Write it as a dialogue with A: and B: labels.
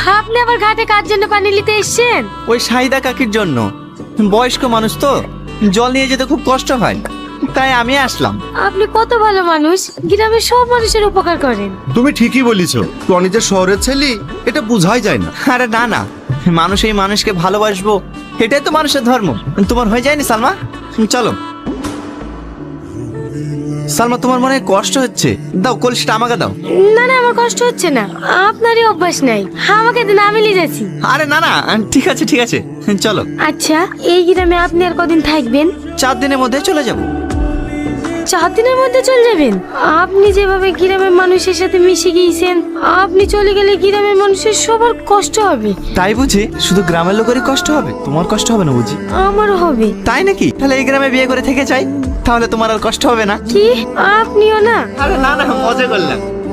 A: আপনি আবার ঘাটে কার জন্য পানি নিতে এসেছেন?
B: ওই সাহিদা কাকির জন্য। বয়স্ক মানুষ তো, জল নিয়ে যেতে খুব কষ্ট হয়, তাই আমি আসলাম।
A: আপনি কত ভালো মানুষ, গ্রামের সব মানুষের উপকার করেন।
C: তুমি ঠিকই বলিছো, টনি যে শহরের ছেলে এটা বোঝাই যায় না।
B: আরে না না, মানুষ এই মানুষকে ভালোবাসবো, এটাই তো মানুষের ধর্ম। তোমার হয়ে যায়নি সালমা? চলো। সালমা, তোমার মনে হয় কষ্ট হচ্ছে, দাও কলসিটা আমাকে দাও।
A: না না, আমার কষ্ট হচ্ছে না, আপনারই অভ্যাস নাই, আমাকে দিন, আমি নিয়ে যাচ্ছি।
B: আরে না না, ঠিক আছে ঠিক আছে, চলো।
A: আচ্ছা, এই গ্রামে আপনি আর কদিন থাকবেন?
B: 4 দিনের মধ্যে চলে যাব।
A: 4 দিনের মধ্যে চলে যাবেন? আপনি যেভাবে গ্রামের মানুষের সাথে মিশে গিয়েছেন, আপনি চলে গেলে গ্রামের মানুষের সবার কষ্ট হবে।
B: তাই বুঝি? শুধু গ্রামের লোকেরই কষ্ট হবে, তোমার কষ্ট হবে না বুঝি?
A: আমারও হবে।
B: তাই নাকি? তাহলে এই গ্রামে বিয়ে করে থেকে যাই, তাহলে তোমার আর কষ্ট হবে না।
A: কি? আপনিও না?
B: আরে না না, মজা করলাম।